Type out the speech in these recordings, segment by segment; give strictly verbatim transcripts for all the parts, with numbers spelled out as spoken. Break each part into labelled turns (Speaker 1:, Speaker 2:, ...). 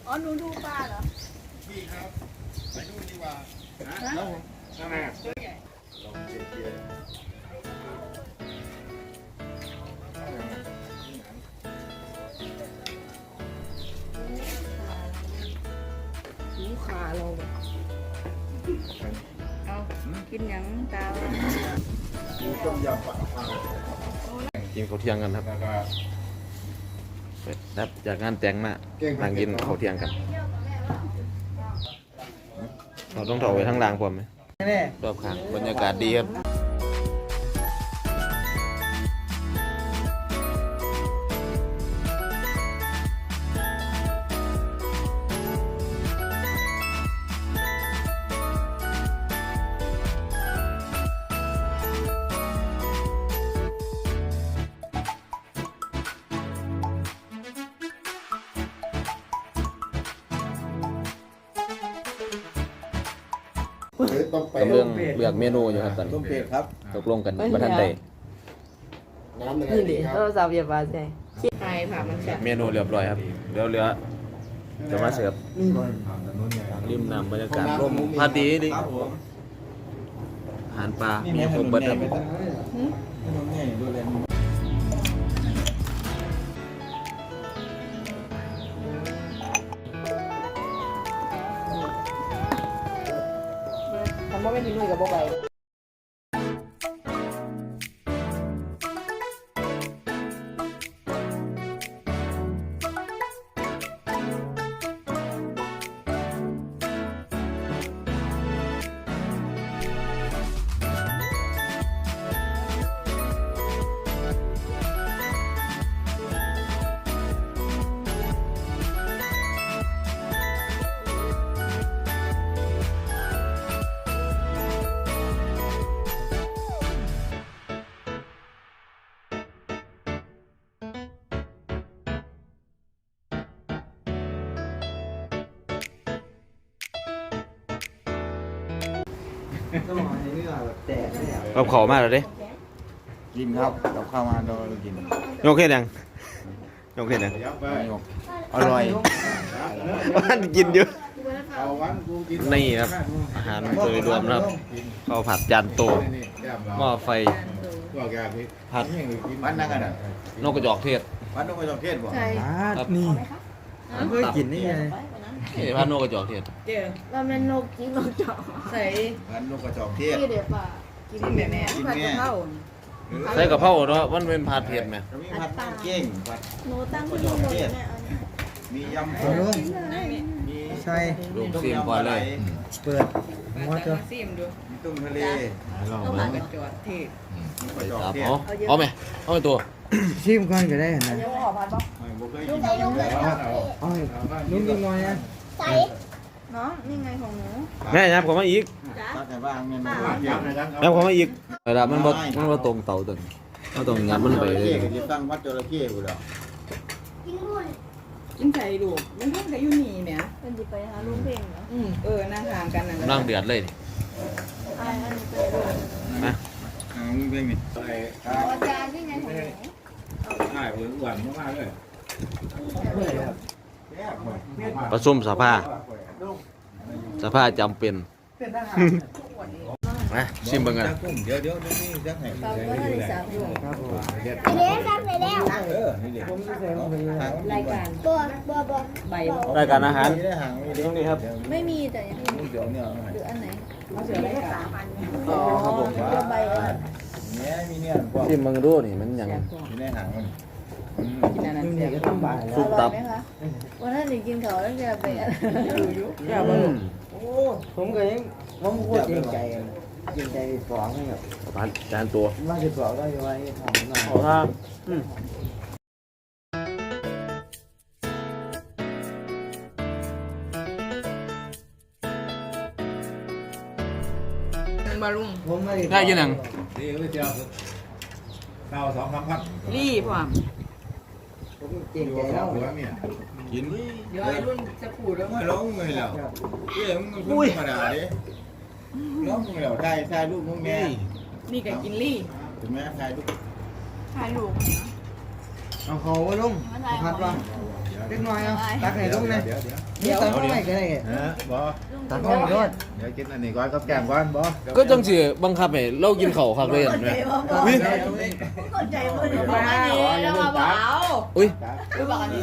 Speaker 1: อ๋อหนูดูปลาเหรอ
Speaker 2: พี่ครับไปนู่นดีกว่านะทำไมตัวใหญ่ลองเชียร์
Speaker 1: หูขาเราเอากินยังตา
Speaker 2: ต้มยำปลา
Speaker 3: กินข้าวเที่ยงกันครับ
Speaker 2: แล้วก็
Speaker 3: ครับจากงานแต่งมานั่งกินข้าวเที่ยงกันเราต้องถอดไว้ทั้งรางผมไหมรอบข้างบรรยากาศดีครับ
Speaker 2: ต้มเป็ด
Speaker 3: กำลังเลือกเมนูอยู่ครับตอน
Speaker 2: ต้
Speaker 3: นี้
Speaker 2: มเป็ดครับ
Speaker 3: ตกลงกันมาทันใด
Speaker 2: น้ำอะไร
Speaker 1: นี่ดิ
Speaker 2: ดีค
Speaker 1: โท
Speaker 2: รับ
Speaker 1: รศัพท์อย่าบาดใจคิดไงผ่ามันแฉะ
Speaker 3: เมนูเรียบร้อยครับเดี๋ยวเหลือจะมาเสิร์ฟริมน้ำบรรยากาศร่มพาดีดิ
Speaker 2: ครับผม
Speaker 3: อาหารปลามีครบเบิดครับ
Speaker 1: ทำว่าไม่มีลุยกับโบไป
Speaker 3: กับขอมากเลยดิ
Speaker 2: กินครับกับข้าวมาโดนกิน
Speaker 3: ยกเห็นยังยกเห็นยัง
Speaker 2: อร่อย
Speaker 3: มันกินเยอะ
Speaker 2: เอาวันกูกิน
Speaker 3: นี่ครับอาหารโดยรวมนะครับข้าวผัดจานโตหม้อไฟ
Speaker 2: ก็แกพี่
Speaker 3: ผัด
Speaker 2: วันนั่งกันอ่ะ
Speaker 3: นกกระจอกเทศ
Speaker 2: วันต้องไปจองเทศบ่
Speaker 1: ใช่
Speaker 3: ครับ
Speaker 4: นี่เพื่อกินนี่ไง
Speaker 3: นี่ผัดนกกระจอกเทศ
Speaker 1: เดี๋ยวเราเป็นนกกินนกเจาะใส่
Speaker 2: วันนกกระจอกเทศ
Speaker 1: ที่เดี๋ยวป่ากินแม่แม่ผัดกะเพรา
Speaker 3: ใส่กะเพราเนาะมันเป็นผัดเผ็ดไหม
Speaker 2: จะมีผัดเก่งผัด
Speaker 1: หนูตั้งที่นู่นเลยแม่
Speaker 2: มียำ
Speaker 4: เอาลุง
Speaker 2: มี
Speaker 4: ใช่
Speaker 3: ลูกซีมก่อนเลย
Speaker 4: เปิดมอเตอร์
Speaker 1: ซิมดู
Speaker 2: มีตุ้มทะเล
Speaker 1: ต้องมากระจอดเทศ
Speaker 2: มีกระจอก
Speaker 3: ครับ
Speaker 2: เทศ
Speaker 3: เอาเอาไหมเอาไปตัว
Speaker 4: ชิมก่อนก็ได้นะ
Speaker 1: ยังขอพัดบอก
Speaker 2: ไม่บ่เคยกินอยู่แล้วเอา
Speaker 4: เอาลุงกินน้อยนะ
Speaker 1: น้องนี่ไงของหนู
Speaker 3: แม่ยับเขามาอีก
Speaker 2: ตัดแต่บ้างเมนู
Speaker 3: ยับเขามาอีกเวลามันบ่มันบ่ตรงเตาตัวนี้มันต้องยับมันไปเลย
Speaker 2: จะตั้งวัดจระเข้กูแล้ว
Speaker 5: กินไข่ลูกมันเพิ่งจะอยู่นี่แหม
Speaker 1: เป็นดิไปหาลุงเพ่งเหรอ
Speaker 5: อืมเออนั่งทางกันนั่น
Speaker 3: กำลังเดือดเลยนี่
Speaker 1: ไอ้อันนี้ไปดู
Speaker 3: มา
Speaker 2: อ่ามึงเป็นไง
Speaker 1: อาจารย์นี่ไงของหนู
Speaker 6: ใช่ผมหวานมากๆเลย
Speaker 3: ประชุมสภาสภาจำเป็นมาชิมเบิ่งกัน
Speaker 2: เดี๋ยวเดี๋ยวนี่จักให้
Speaker 1: ตอนก็ได้สามอยู่
Speaker 4: ครับผม
Speaker 2: เด้ทำไปแล้วเออนี่เด็ก
Speaker 4: ผมจะใส่ลงไปเลย
Speaker 1: รายการ
Speaker 5: ใบ
Speaker 3: รายการอาหาร
Speaker 2: ได้ห่างไม่ได้
Speaker 3: ตรงนี้ครับ
Speaker 1: ไม่มีแต่ยัง
Speaker 2: เดี๋ยวเนี่ย
Speaker 1: หรืออันไหน
Speaker 5: เขาเสือรายการ
Speaker 1: อ๋อครับผมใบอัน
Speaker 2: เนี่ยมีเนี่ยพวก
Speaker 3: ชิมเบิ่งดูนี่มันหยัง
Speaker 2: มีได้ห่างมัน
Speaker 5: กินอันนั้น
Speaker 4: ลุง
Speaker 5: เสี
Speaker 4: เดี๋
Speaker 5: ย
Speaker 4: ยวจะต้องบ่าย
Speaker 1: อ
Speaker 4: แล้ว
Speaker 1: ร่อยไหมคะวันนั้นหนูกินเขาแล้วจะไปอะไร
Speaker 3: อืม
Speaker 4: โอ้ผมก็ยังผมโคตรเกรงใจเกรงใจสองให้แบบ
Speaker 3: ผัดจานตัว
Speaker 4: ว่าจะสองได้ไว้ทำหน่อย
Speaker 3: เอาครับอืม
Speaker 5: บารุง
Speaker 4: ผมไม่
Speaker 3: ได้ยินหยัง
Speaker 6: นี่ก็เจียวเก้าสองสามพัน
Speaker 5: รีบว่ะ
Speaker 4: ผมเกรง
Speaker 6: อยู่
Speaker 4: ใจ
Speaker 6: สอ
Speaker 4: แล้
Speaker 6: ง
Speaker 4: ว
Speaker 6: หัวเนี่ย
Speaker 2: กิน
Speaker 5: เดี๋ยวไอ้รุ่นจะพูดแล้ว
Speaker 2: ไม่ร้องเลยแล้วเอ้ยมึงธรรมดาดิร้องเลยแล้วถ่ายถ่ายรูปมึงแม่
Speaker 5: นี่ก็กินรี่
Speaker 2: ถึงแม่ถ่ายรูป
Speaker 5: ถ่ายรูป
Speaker 4: เอาเขาไว้ลุงพัดว่า
Speaker 2: เดี๋ยว
Speaker 4: เล็กน้อยเอาตักให้ลุงนะ
Speaker 6: เดี๋ยวเดี๋ยว
Speaker 4: นี่ตักเข้าไปก็ได้
Speaker 6: ฮะบ่
Speaker 4: ตักเข้าไปด้วย
Speaker 6: เดี๋ยวกินอันนี้ก่อนกับแกงก่อนบ่
Speaker 3: ก็จังสิบังคับให้เรากินข้าวคักเลยเห็นไหมอุ้ย
Speaker 1: เข้าใจว่าเดี๋ยว
Speaker 5: มา
Speaker 1: มา
Speaker 5: ดิแล้วมาเบา
Speaker 3: อุ้ย
Speaker 5: คือบอกอันนี้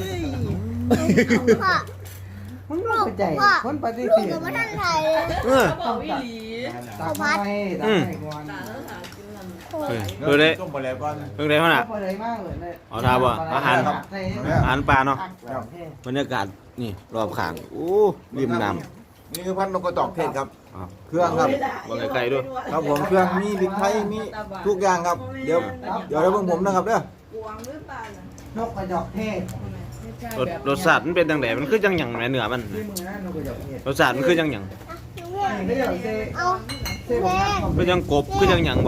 Speaker 4: มึงไม่เข้าใจคนปฏิเสธ
Speaker 3: เออ
Speaker 5: เขาบอกวิลี
Speaker 4: ตักเข้าไปตักให้ก่อน
Speaker 5: ตาแล้วถามกินมัน
Speaker 3: เฮ้ยดูดิ
Speaker 6: ต้มบ่แล้วก่อน
Speaker 3: เพิ่งได้ขนาด
Speaker 4: พอเลยมากเลย
Speaker 3: เอาทาบ่อาหาร อาหารปลาเนาะ
Speaker 4: ครับ
Speaker 3: บรรยากาศนี่รอบข้างโอ้ริมน้
Speaker 6: นี่คือพันนกกระจอกเทศครับ
Speaker 3: ำอ้าว
Speaker 6: เครื่องครับ
Speaker 3: บางไกลๆด้วย
Speaker 6: ครับผมเครื่องมีพริกไทยมีทุกอย่างครับ เดี๋ยวเดี๋ยวได้เบิ่งผมนะครับเด้อก
Speaker 5: วางหรือเปล่าน
Speaker 4: กกระจอกเทศ
Speaker 3: รสรสชาติมันเป็นจังไดมันคือจังหยังแหมเนื้อมัน
Speaker 4: ที่มือนะนกกระจอกเทศ
Speaker 3: รสชาติมันคือจังหยัง
Speaker 4: นี่ก็อย่างเซ่เซ่บอกนะ
Speaker 3: คือจังกบคือจังหยังบ่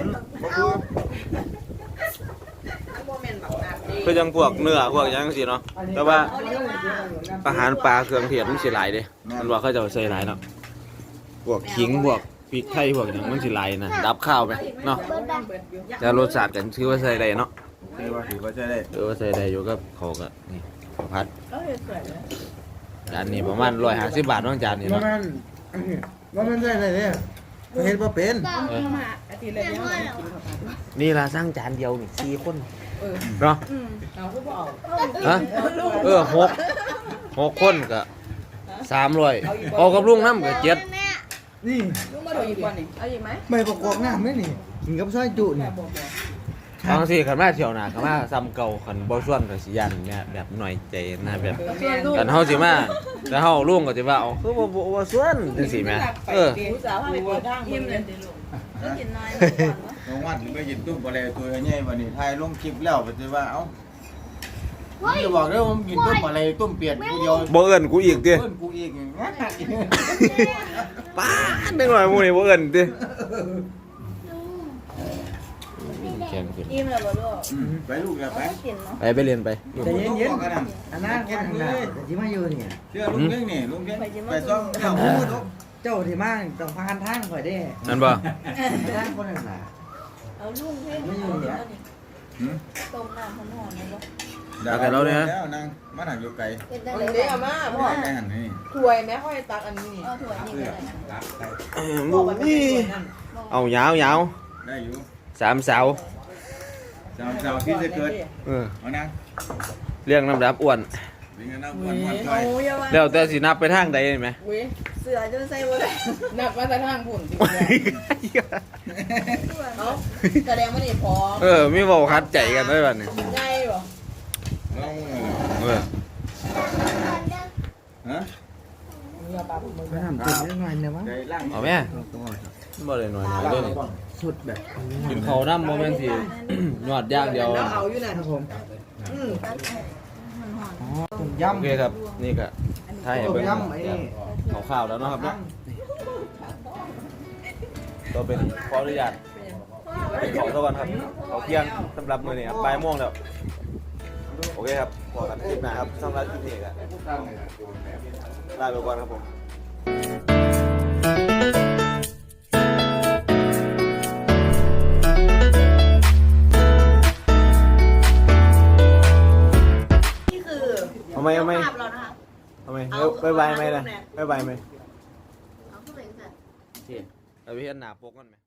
Speaker 5: โมเมนต์แบบนั้นดี
Speaker 3: คือจังพวกเนื้อพวกหยังจังซี่เนาะแต่ว่าอาหารปลาเครื่องเทศมันสิหลายเด้มันว่าเขาจะใส่หลายเนาะพวกขิงพวกพริกไทยพวกหยังมันสิหลายนะดับข้าวไปเนาะแต่รสชาติกันถือว่าใส่ได้เนาะ
Speaker 6: เดี๋ยวว่าถือว่าจะได้
Speaker 3: ถือว่าใส่ได้อยู่กับเขาวก็นี่ข้าวผัด
Speaker 1: เขาเห็นสวยเลย
Speaker 3: จานนี้ประมาณหนึ่งร้อยห้าสิบบาทเน้องจานนี้
Speaker 4: ว่า
Speaker 3: เนาะ
Speaker 4: มันว่ามันได้เลยเนี่ยเห็นว่าเป็น
Speaker 3: เออ
Speaker 5: มาอาทิตย์ละเดียวกินข้าวผัด
Speaker 3: นี่ละสร้างจานเดียวนี่สี่คน
Speaker 5: เออ
Speaker 3: เนาะ
Speaker 5: เราก็บอก
Speaker 3: ฮะเออหกหกคนก็สามร้อยเอากับลุงน้ำก็เจ็ด
Speaker 4: นี่
Speaker 5: ลูกมาดูอีกวันนี่เอาอีกไหม
Speaker 4: ไม่ประกอบน้ำไหมนี่กินกับซอยจุนี่
Speaker 5: บอกบอก
Speaker 3: บางทีขันมาเที่ยวหนาขันมาซ้ำเก่าขันบ่ส่วนก็สิยันเนี่ยแบบหน่อยใจนะแบบ
Speaker 5: เ
Speaker 3: กันเฮาสิมาแต่เฮาลุงก็สิว่าเอาคือบ่บ่บ่ส่วนจังซี่แหมเออ
Speaker 5: ผู้สาวให้ไปทางยิ้มเลย
Speaker 1: ก็กินน้อยก่อนวะ
Speaker 6: น้องวัดหรือไปยินตุ้มบ่แล้วตัวใหญ่วันนี้ถ่ายลงคลิปแล้วไปสิว่าเอ้าผมจะบอกเด้อผมกินตุ้มอะไรตุ้มเปียดผู้เดียว
Speaker 3: บ่เอิ้นกูอีกติ
Speaker 6: เพิ่นกูอีกอย่างเงี้ย
Speaker 3: ป้าดนึงหน่อยหมู่นี่บ่เอิ้นติแข็งขึ้น
Speaker 1: อิ่มแล้วบ่ลูก
Speaker 6: อืมไปลูกอย่าไป
Speaker 1: ไม่กินเนาะ
Speaker 3: ไปไปเรียนไป
Speaker 4: แต่เย็นเย็นอันนั้นแค่ทางหน้าแต่ที่มาอยู่เนี่ย
Speaker 6: เชื่อลุงเรื่องนี่ลุงเรื่องไปซ่อมเจ้า
Speaker 4: เจ้าที่มาต้องพานทางข่อยได้
Speaker 3: นั่นบ่
Speaker 4: ทางคนหนึ่งน่ะ
Speaker 1: เอาลูกให้
Speaker 4: ไม่อยู่เนี่ย
Speaker 1: ต้มน้ำหอมๆเลยบ่
Speaker 6: แล้วนางมาหนักอยู่ไกล
Speaker 1: เป็นได้
Speaker 5: เอา
Speaker 1: เลย
Speaker 5: เดี๋ยวมาพ่อ
Speaker 6: แม่หันนี่
Speaker 5: ถวยแม่ค่อยตักอันนี้นี่
Speaker 1: เอาถั่วนี่ก็ได้
Speaker 3: เออหมู่นี่เอายาวยาว
Speaker 6: ได้อยู่
Speaker 3: สามเสา
Speaker 6: สาวสาวที่จะเกิด
Speaker 3: เออ
Speaker 6: เอานาง
Speaker 3: เรียงลำดับอ้วน
Speaker 6: วิ่งกันนั่งวันวันไป
Speaker 5: โอ้ยว่า
Speaker 3: แล้วแต่สินับไปทางใดเห็นไหม
Speaker 5: เว้ย
Speaker 1: เสือจนใส่บ่ได้
Speaker 5: นับมาแต่ทางผุ่นจริงๆเนาะแสดงว่านี่พร้อม
Speaker 3: เออมีเว้าคัดใจกันได้บัดนี้
Speaker 5: ไงบ่
Speaker 6: น้อง
Speaker 3: เออ
Speaker 6: ฮะ
Speaker 5: เนื้อปลาผมมึง
Speaker 4: ไปทำตัวนิดหน่อยเนี่ยมั้ง
Speaker 6: ใจล่าง
Speaker 3: เอาแม่บ่ได้น้อยๆเด้อนี่
Speaker 4: สุดแบบ
Speaker 3: กินข้าวน้ำบ่แม่นสิ ยอดอย่างเดียว
Speaker 5: แล้วเอาอยู่ไหน
Speaker 4: ครับผม
Speaker 5: อืม
Speaker 4: อ๋อต้ม
Speaker 3: โอย
Speaker 4: ำ
Speaker 3: เคครับ นี่ก็ถ้าให้
Speaker 4: ต้ม
Speaker 3: เบิ่ง
Speaker 4: ยำไอ้นี่
Speaker 3: ข้าวๆแล้วเนาะครับเนาะก็เป็นขออนุญาตเป็นของซะก่อนครับขอเที่ยงสำหรับมื้อนี้ครับบ่ายโมงแล้วโอเคครับพอกันคลิปหน้าครับสำหรับคลิปนี้ก็ลาไปก่อนครับผม
Speaker 1: นี่คือ
Speaker 3: เอาไหมเอาไหม
Speaker 1: ภาพเรานะคะ
Speaker 3: เอาไหมบ๊ายบายไหมนะบ๊ายบายไหม
Speaker 1: เอาขึ้นไปกัน
Speaker 3: เราไปเห็นหน้าปกกันไหม